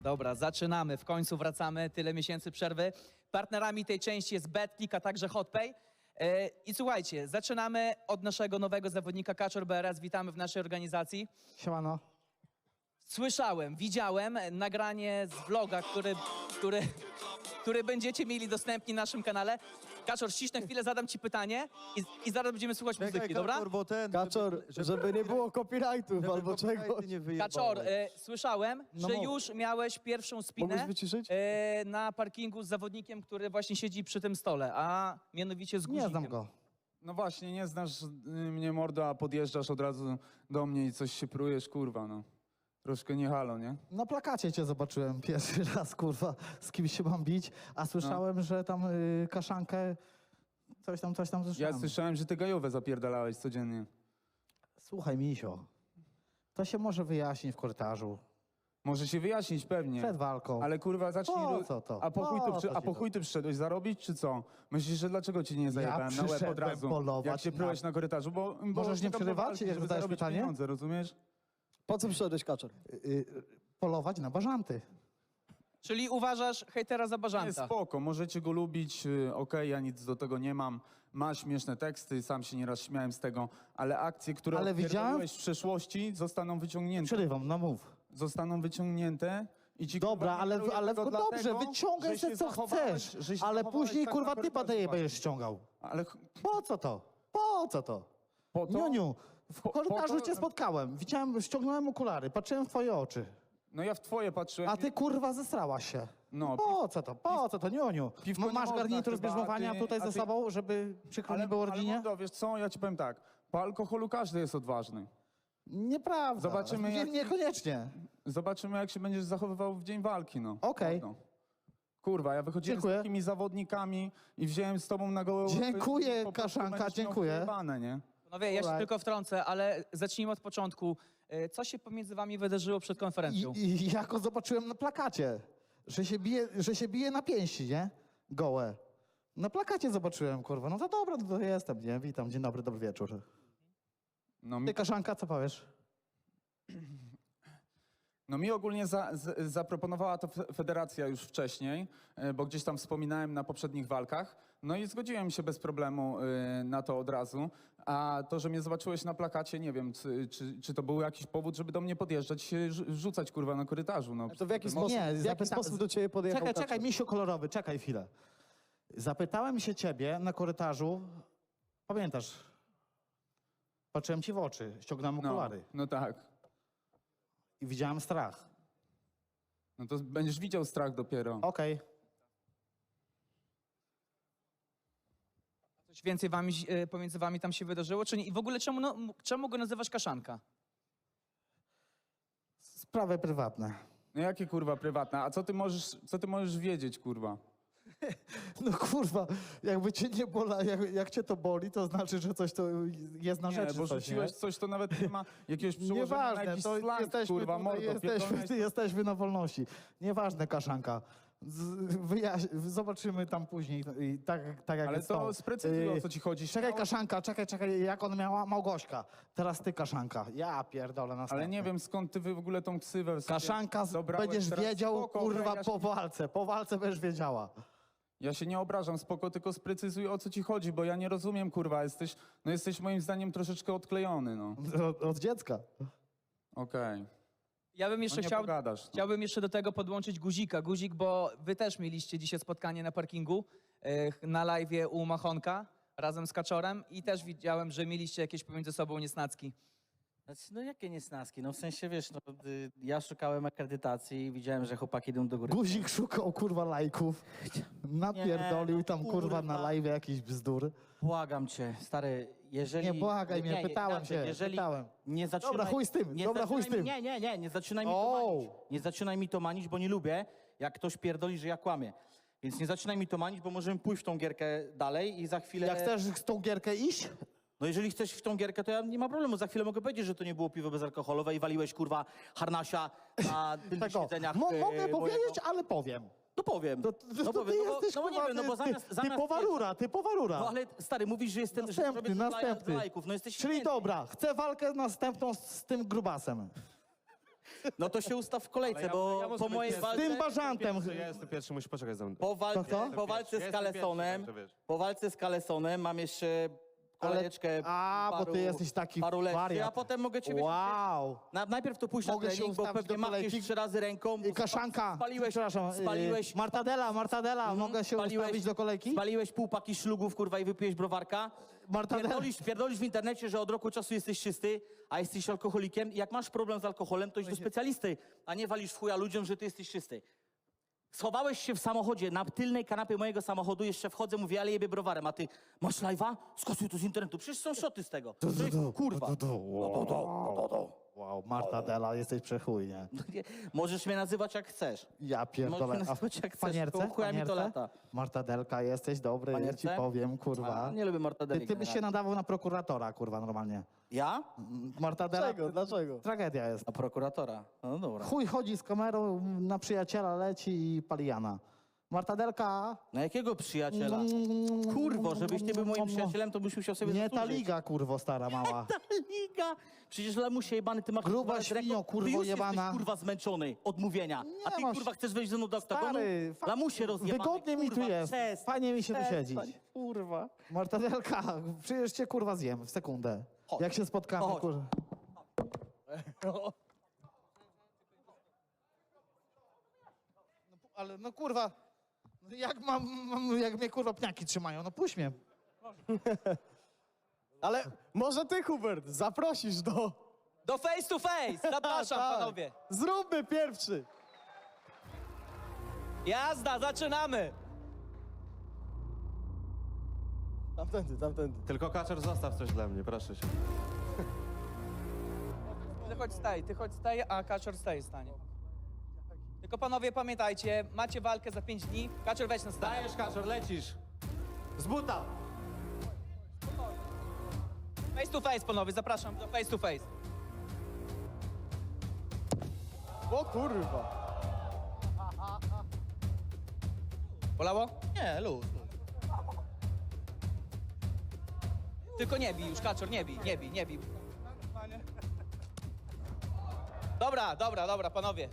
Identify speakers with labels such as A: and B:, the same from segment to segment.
A: Dobra, zaczynamy. W końcu wracamy. Tyle miesięcy przerwy. Partnerami tej części jest BetClick, a także HotPay. I słuchajcie, zaczynamy od naszego nowego zawodnika Kaczor BRS. Witamy w naszej organizacji.
B: Siemano.
A: Słyszałem, widziałem nagranie z vloga, który będziecie mieli dostępni na naszym kanale. Kaczor, ściśnę chwilę, zadam ci pytanie i zaraz będziemy słuchać muzyki, dobra?
C: Bo ten,
B: Kaczor, żeby nie było copyrightów albo czegoś.
A: Kaczor, słyszałem,
B: No
A: że
B: mów.
A: już miałeś pierwszą spinę
B: Mógłbyś wyciszyć?
A: na parkingu z zawodnikiem, który właśnie siedzi przy tym stole, a mianowicie z
B: Nie
A: guzikiem.
B: znam go.
C: No właśnie, nie znasz mnie mordo, a podjeżdżasz od razu do mnie i coś się prujesz, kurwa, no. Troszkę nie halo, nie?
B: Na plakacie cię zobaczyłem pierwszy raz, kurwa, z kim się mam bić, a słyszałem, że tam kaszankę, coś tam
C: Ja
B: słyszałem.
C: słyszałem, że ty gajówę zapierdalałeś codziennie.
B: Słuchaj, misio, to się może wyjaśnić w korytarzu,
C: Może się wyjaśnić pewnie.
B: przed walką.
C: Ale kurwa, zacznij...
B: Po co to?
C: A po chuj
B: Po
C: tu,
B: co
C: a
B: ci
C: po
B: to?
C: chuj tu przyszedłeś zarobić, czy co? Myślisz, że dlaczego ci nie zajebałem na łeb od
B: przyszedłem
C: razu,
B: polować
C: jak się prułeś
B: na-
C: na korytarzu? Bo
B: Możesz nie
C: czekam do
B: przerywać,
C: walki,
B: jak
C: żeby
B: zadajesz
C: zarobić
B: pytanie?
C: pieniądze, rozumiesz?
D: Po co przyszedłeś, Kaczor?
B: Polować na bażanty.
A: Czyli uważasz hejtera za
C: Nie,
A: bażanta.
C: spoko, możecie go lubić, okej, ja nic do tego nie mam. Ma śmieszne teksty, sam się nieraz śmiałem z tego, ale akcje, które
B: Ale widziałem-
C: odpierdoliłeś w przeszłości, zostaną wyciągnięte.
B: Przerywam, no mów.
C: Zostaną wyciągnięte i ci
B: Dobra,
C: kurwa, nie daruję
B: ale
C: tego
B: dobrze,
C: dlatego,
B: wyciągaj
C: że
B: se
C: się
B: co
C: zachowałeś-
B: chcesz,
C: że się
B: ale
C: zachowałeś
B: później
C: tak
B: kurwa
C: na
B: typa
C: korytarzu
B: będziesz ściągał.
C: Ale
B: Po co to? Po co to?
C: po to...
B: Niuniu, w korytarzu
C: po to-
B: cię spotkałem, widziałem, ściągnąłem okulary, patrzyłem w twoje oczy.
C: No ja w twoje patrzyłem.
B: A ty kurwa zesrałaś się.
C: No,
B: Po co to? Po co to, Niuniu?
C: piwko nie
B: Masz
C: można
B: garnitur
C: chyba,
B: zbierzmowania
C: a ty-
B: tutaj
C: a
B: ze
C: ty-
B: sobą, żeby przykro nie było
C: ale
B: rodzinie?
C: mordo, wiesz co, ja ci powiem tak, po alkoholu każdy jest odważny.
B: Nieprawda.
C: Zobaczymy, jak-
B: Niekoniecznie.
C: Zobaczymy, jak się będziesz zachowywał w dzień walki, no.
B: Okej.
C: Mordo. Kurwa, ja wychodziłem
B: Dziękuję.
C: z takimi zawodnikami i wziąłem z tobą na gołę łapy
B: Dziękuję,
C: i po prostu
B: Kaszanka,
C: będziesz miał
B: dziękuję.
C: przejebane, nie?
A: Panowie, ja się
B: Alright.
A: tylko wtrącę, ale zacznijmy od początku. Co się pomiędzy wami wydarzyło przed konferencją?
B: I jako zobaczyłem na plakacie, że się bije na pięści, nie? Gołe. Na plakacie zobaczyłem, kurwa. No to dobra, no to jestem, nie? Witam, dzień dobry, dobry wieczór.
C: No mi,
B: Ty, Kaszanka, co powiesz?
C: no mi ogólnie zaproponowała to federacja już wcześniej, bo gdzieś tam wspominałem na poprzednich walkach. No i zgodziłem się bez problemu na to od razu. A to, że mnie zobaczyłeś na plakacie, nie wiem, czy to był jakiś powód, żeby do mnie podjeżdżać, się rzucać, kurwa, na korytarzu. No,
D: To w jaki
C: No,
D: sposób,
B: Nie,
D: w jaki sposób do ciebie podjechał
B: Czekaj,
D: Kaczor?
B: czekaj, misiu kolorowy, czekaj chwilę. Zapytałem się ciebie na korytarzu, pamiętasz? Patrzyłem ci w oczy, ściągnąłem okulary
C: no tak.
B: i widziałem strach.
C: No to będziesz widział strach dopiero.
B: Okej.
A: Coś więcej pomiędzy wami tam się wydarzyło? Czy nie? I w ogóle czemu go nazywasz Kaszanka?
B: Sprawy prywatne.
C: No jakie kurwa prywatne? A co ty możesz wiedzieć, kurwa?
B: No kurwa, jakby cię nie bola, jak cię to boli, to znaczy, że coś to jest na
C: Nie,
B: rzeczy.
C: bo
B: coś,
C: rzuciłeś
B: nie?
C: coś, to nawet nie ma jakiegoś przełożenia na
B: Nieważne,
C: jakiś
B: to
C: slang,
B: jesteśmy,
C: kurwa,
B: tutaj,
C: mordo.
B: jesteśmy na wolności. Nieważne, Kaszanka. Zobaczymy tam później. I tak jak
C: Ale
B: jest
C: to sprecyzuj, o co ci chodzi.
B: Czekaj, Kaszanka, czekaj, jak on miała? Małgośka. Teraz ty, Kaszanka. Ja pierdolę na
C: Ale nie wiem, skąd ty w ogóle tą ksywę sobie
B: Kaszanka,
C: dobrałeś
B: będziesz
C: teraz.
B: wiedział,
C: Spoko,
B: kurwa,
C: ja
B: po walce będziesz wiedziała.
C: Ja się nie obrażam, spoko, tylko sprecyzuj, o co ci chodzi, bo ja nie rozumiem, kurwa, jesteś moim zdaniem troszeczkę odklejony, no.
B: Od dziecka.
C: Okej.
A: Ja bym jeszcze
C: No nie pogadasz, no.
A: chciałbym jeszcze do tego podłączyć Guzika. Guzik, bo wy też mieliście dzisiaj spotkanie na parkingu, na live'ie u Machonka razem z Kaczorem i też widziałem, że mieliście jakieś pomiędzy sobą niesnacki.
E: Znaczy, no jakie niesnaski? No w sensie, wiesz, no, ja szukałem akredytacji i widziałem, że chłopaki idą do góry.
B: Guzik szukał, kurwa, lajków. Napierdolił
E: Nie, no,
B: tam, kurwa, na
E: kurwa.
B: live jakiś bzdur.
E: Błagam cię, stary, jeżeli...
B: Nie, błagaj mnie, pytałem
E: inaczej,
B: się,
E: jeżeli
B: pytałem.
E: Nie zaczynaj,
B: Dobra, chuj z tym,
E: nie
B: dobra, chuj z
E: zaczynaj
B: tym.
E: mi- nie zaczynaj mi to
B: O!
E: manić. Nie zaczynaj mi to manić, bo nie lubię, jak ktoś pierdoli, że ja kłamię. Więc nie zaczynaj mi to manić, bo możemy pójść w tą gierkę dalej i za chwilę...
B: Jak chcesz z tą gierkę iść,
E: No jeżeli chcesz w tą gierkę, to ja nie ma problemu. Za chwilę mogę powiedzieć, że to nie było piwo bezalkoholowe i waliłeś, kurwa, harnasia na tylnych
B: tego,
E: siedzeniach
B: mogę
E: mojego.
B: powiedzieć, ale powiem.
E: No powiem.
B: To
E: no
B: ty
E: powiem,
B: jesteś,
E: no bo nie
B: kurwa,
E: wiem, no bo zamiast...
B: typowa rura.
E: No ale stary, mówisz, że jestem... że robię dla
B: Następny.
E: lajków. No jesteś
B: Czyli
E: święty.
B: dobra, chcę walkę następną z tym grubasem.
E: No to się ustaw w kolejce,
F: ja
E: bo
F: muszę
E: po
F: być
E: mojej
F: pierwszy.
B: Z
E: walce...
B: tym bażantem.
F: Ja jestem pierwszy, musisz poczekać za mną.
E: Po walce,
B: Kto?
E: po walce z
F: Jestem
E: Kalesonem,
F: pierwszy, także wiesz.
E: po walce z Kalesonem mam jeszcze kolejeczkę
B: bo ty jesteś taki
E: paru lekcji,
B: wariat.
E: a potem mogę cię
B: Wow.
E: Najpierw to pójść na
B: Mogę się
E: trening, bo
B: ustawić
E: pewnie
B: do
E: machniesz
B: kolejki?
E: 3 razy ręką.
B: I kaszanka.
E: Spaliłeś,
B: Martadela, mogę się ustawić do kolejki?
E: Spaliłeś pół paki szlugów, kurwa, i wypiłeś browarka.
B: Martadela.
E: Pierdolisz w internecie, że od roku czasu jesteś czysty, a jesteś alkoholikiem. I jak masz problem z alkoholem, to idź do specjalisty, a nie walisz w chuja ludziom, że ty jesteś czysty. Schowałeś się w samochodzie, na tylnej kanapie mojego samochodu, jeszcze wchodzę, mówię, ale jebie browarem, a ty masz live'a? Skasuj to z internetu, przecież są szoty z tego. Kurwa.
B: Wow, Martadela, jesteś przechuj, nie?
E: Możesz mnie nazywać jak chcesz.
B: Ja
E: Możesz
B: pierdolę.
E: mnie
B: A
E: nazywać jak
B: w
E: chcesz,
B: panierce?
E: to chuja mi to lata.
B: Martadelka, jesteś dobry,
E: Panierce?
B: ci powiem, kurwa.
E: A, nie lubię mortadeli.
B: Ty byś się
E: generalnie.
B: nadawał na prokuratora, kurwa, normalnie.
E: Ja?
B: Martadela,
D: Dlaczego? Dlaczego?
B: tragedia jest.
E: Na prokuratora. No dobra.
B: Chuj chodzi z kamerą, na przyjaciela leci i pali Jana. Martadelka...
E: Na jakiego przyjaciela? Kurwo, żebyś ty był moim przyjacielem, to byś musiał sobie
B: Nie ta
E: zasłużyć.
B: liga, kurwo, stara mała.
E: Ta liga! Przecież lamusie jebany, ty masz...
B: Gruba
E: kurwa, z ręką-
B: świnio, kurwo,
E: ty już
B: jebana.
E: jesteś, kurwa, zmęczony od mówienia. A ty,
B: masz-
E: kurwa, chcesz wejść ze mną do oktagonu?
B: Stary,
E: Lamusie rozjebany,
B: wygodnie mi tu
E: kurwa,
B: jest.
E: przestań,
B: Fajnie mi się tu
E: przestań,
B: siedzieć.
E: Kurwa.
B: Martadelka, przecież cię kurwa zjem w sekundę.
E: Chodź.
B: Jak się spotkamy,
E: Chodź.
B: kurwa. Ale no kurwa, jak mnie kurwa pniaki trzymają, no puść mnie.
D: Ale może ty, Hubert, zaprosisz do...
A: Do face to face! Zapraszam,
D: Tak.
A: panowie.
D: Zróbmy pierwszy.
A: Jazda, zaczynamy!
D: Tamtędy.
F: Tylko Kaczor, zostaw coś dla mnie, proszę cię.
A: Ty chodź staj, a Kaczor stanie. Tylko panowie pamiętajcie, macie walkę za 5 dni. Kaczor, weź na stanie.
F: Dajesz, Kaczor, lecisz. Z buta.
A: Face to face, panowie, zapraszam do face to face.
D: O kurwa.
A: Bolało?
E: Nie, luz.
A: Tylko nie bij już, Kaczor, nie bij. Dobra, panowie.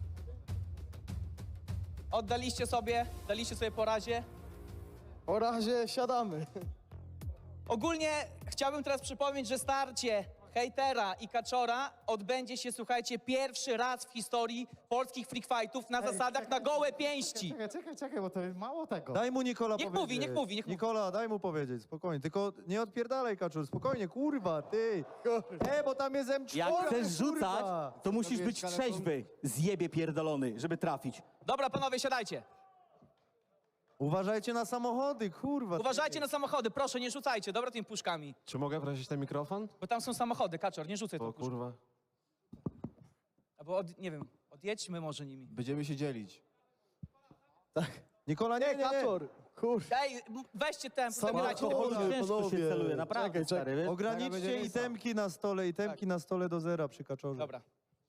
A: Daliście sobie po razie.
D: O razie siadamy.
A: Ogólnie chciałbym teraz przypomnieć, że starcie hejtera i Kaczora odbędzie się, słuchajcie, pierwszy raz w historii polskich freak fightów na zasadach na gołe pięści.
B: Czekaj, bo to jest mało tego.
G: Daj mu Nikola
A: Niech
G: powiedzieć.
A: mówi.
G: Nikola, daj mu powiedzieć, spokojnie. Tylko nie odpierdalaj, Kaczor, spokojnie, kurwa, ty. Bo tam jest M4,
E: Jak chcesz rzucać,
G: kurwa.
E: to musisz być trzeźwy, zjebie pierdolony, żeby trafić.
A: Dobra, panowie, siadajcie.
G: Uważajcie na samochody, kurwa.
A: Uważajcie na samochody, proszę, nie rzucajcie, dobra, tymi puszkami.
F: Czy mogę prosić ten mikrofon?
A: Bo tam są samochody, Kaczor, nie rzucaj
F: O
A: tą puszką.
F: kurwa.
A: Albo, nie wiem, odjedźmy może nimi.
G: Będziemy się dzielić. Tak. Nikola, nie.
D: Kaczor. Kurwa.
A: Ej, weźcie tempo, zabierajcie te
D: Samochody.
A: puszki.
E: Ciężko się
D: panowie,
E: celuje, naprawdę,
D: czekaj.
E: stary, wiesz?
G: Ograniczcie itemki na stole, na stole do zera przy Kaczorze.
A: Dobra.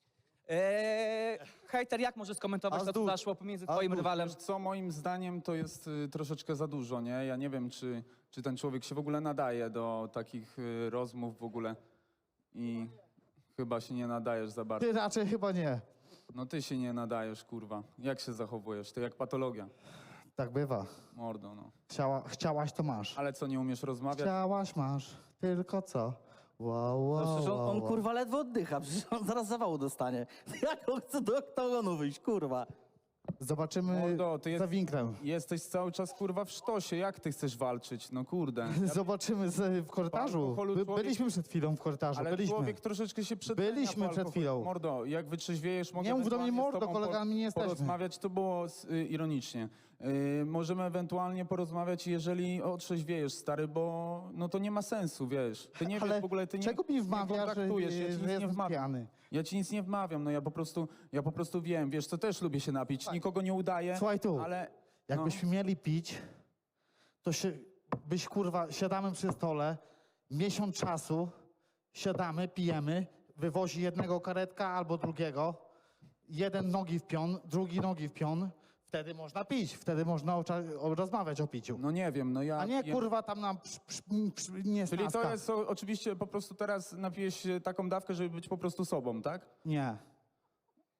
A: Hejter, jak możesz skomentować to, co
G: Azdut.
A: zaszło pomiędzy twoim rywalem?
C: Wiesz co, moim zdaniem to jest troszeczkę za dużo, nie? Ja nie wiem, czy ten człowiek się w ogóle nadaje do takich rozmów w ogóle. I chyba się nie nadajesz za bardzo.
B: Ty raczej chyba nie.
C: No ty się nie nadajesz, kurwa. Jak się zachowujesz? To jak patologia.
B: Tak bywa.
C: Mordo, no.
B: Chciałaś, to masz.
C: Ale co, nie umiesz rozmawiać?
B: Chciałaś, masz. Tylko co? Wow,
E: No
B: wow,
E: przecież on
B: wow.
E: kurwa ledwo oddycha, przecież on zaraz zawału dostanie. Jak on chce do oktagonu wyjść, kurwa?
B: Zobaczymy
C: Mordo, ty
B: za winklem.
C: jesteś cały czas, kurwa, w sztosie. Jak ty chcesz walczyć? No kurde.
B: Zobaczymy w korytarzu.
C: alkoholu człowiek-
B: Byliśmy przed chwilą w korytarzu,
C: Ale
B: byliśmy.
C: człowiek troszeczkę się przedawnia
B: Byliśmy
C: po
B: przed
C: alkoholu.
B: chwilą.
C: Mordo, jak wytrzeźwiejesz, mogę
B: Nie mów do mnie
C: ewentualnie z
B: mordo,
C: tobą
B: kolegami nie jesteśmy.
C: porozmawiać, to było ironicznie. Możemy ewentualnie porozmawiać, jeżeli otrzeźwiejesz, stary, bo no to nie ma sensu, wiesz. Ty nie
B: Ale
C: wiesz w ogóle, ty nie,
B: czego mi
C: nie
B: wmawia, że,
C: kontaktujesz, ja ci nic nie
B: jestem
C: wmawiam.
B: pijany?
C: Ja ci nic nie wmawiam, no ja po prostu wiem, wiesz, to też lubię się napić, nikogo nie udaję,
B: Słuchaj tu,
C: ale...
B: jakbyśmy mieli pić, to kurwa, siadamy przy stole, miesiąc czasu, siadamy, pijemy, wywozi jednego karetka albo drugiego, jeden nogi w pion, drugi nogi w pion, wtedy można pić, wtedy można rozmawiać o piciu.
C: No nie wiem, no ja...
B: A nie kurwa tam nam nie
C: Czyli to
B: snaska.
C: jest oczywiście po prostu teraz napijesz się taką dawkę, żeby być po prostu sobą, tak?
B: Nie.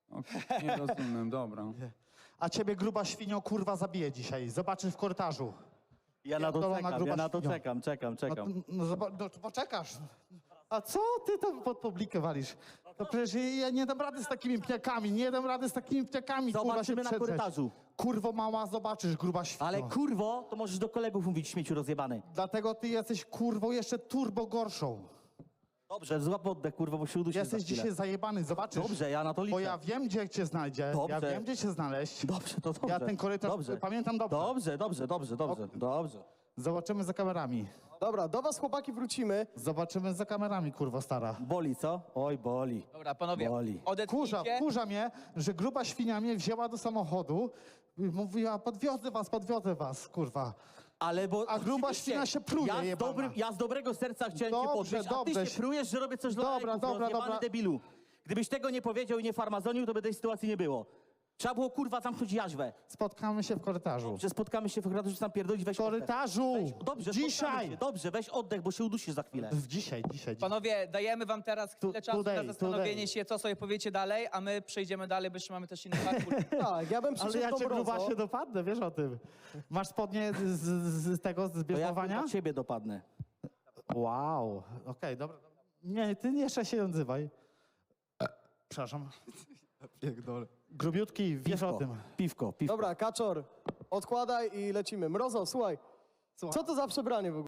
C: Okej, nie rozumiem, dobra.
B: A ciebie gruba świnio kurwa zabije dzisiaj. Zobaczysz w korytarzu.
E: Ja na to
B: Pierdolona
E: czekam,
B: gruba
E: ja na to
B: świnio.
E: czekam.
B: No to poczekasz. A co ty tam pod publikę walisz? To przecież ja nie dam rady z takimi pniakami, nie dam rady z takimi pniakami, kurwa, się
E: Zobaczymy na
B: przedrzeć.
E: korytarzu.
B: Kurwo mała, zobaczysz, gruba świnio.
E: Ale kurwo, to możesz do kolegów mówić śmieciu rozjebany.
B: Dlatego ty jesteś kurwą jeszcze turbo gorszą.
E: Dobrze, złap oddech, kurwo, bo się udusisz
B: Jesteś
E: za chwilę.
B: dzisiaj zajebany, zobaczysz.
E: Dobrze, ja na to liczę.
B: Bo ja wiem, gdzie cię znajdzie. Ja
E: Dobrze.
B: wiem, gdzie cię znaleźć.
E: Dobrze, to dobrze.
B: Ja ten korytarz pamiętam dobrze.
E: Dobrze.
B: Zobaczymy za kamerami.
D: Dobra, do was chłopaki wrócimy.
B: Zobaczymy za kamerami, kurwa stara.
E: Boli, co? Oj, boli.
A: Dobra, panowie,
E: Boli.
A: odetnijcie.
B: Wkurza mnie, że gruba świnia mnie wzięła do samochodu i mówiła, podwiozę was, kurwa.
E: Ale bo...
B: A gruba
E: oczywiście,
B: świnia się pruje, jebana.
E: ja z dobrego serca chciałem cię
B: Dobrze,
E: podnieść, a ty
B: dobrze.
E: się prujesz, że robię coś dla
B: Dobra,
E: lajków,
B: dobra,
E: rozjebany
B: dobra.
E: debilu. Gdybyś tego nie powiedział i nie farmazonił, to by tej sytuacji nie było. Trzeba było, kurwa, zamknąć jaźwę.
B: Spotkamy się w korytarzu.
E: Że spotkamy się w korytarzu, że tam pierdolić, weź
B: W korytarzu!
E: oddech. Dobrze, spotkamy
B: Dzisiaj!
E: się. Dobrze, weź oddech, bo się udusisz za chwilę.
B: Dzisiaj.
A: Panowie, dajemy wam teraz chwilę czasu
B: today,
A: na zastanowienie
B: today.
A: się, co sobie powiecie dalej, a my przejdziemy dalej, bo jeszcze mamy też inny parkour.
D: Tak, ja bym
B: Ale
D: przyszedł
B: ja
D: do
B: cię gruba
D: Mrozo.
B: się dopadnę, wiesz o tym. Masz spodnie z tego, z
E: To ja
B: bierzmowania?
E: kurwa ciebie dopadnę.
B: Wow, okej, dobra. Nie, ty jeszcze się nie odzywaj. Przepraszam.
G: Pierdolę.
B: Grubiutki, wiesz o tym.
E: Piwko.
D: Dobra, Kaczor, odkładaj i lecimy. Mrozo, słuchaj, co to za przebranie w ogóle?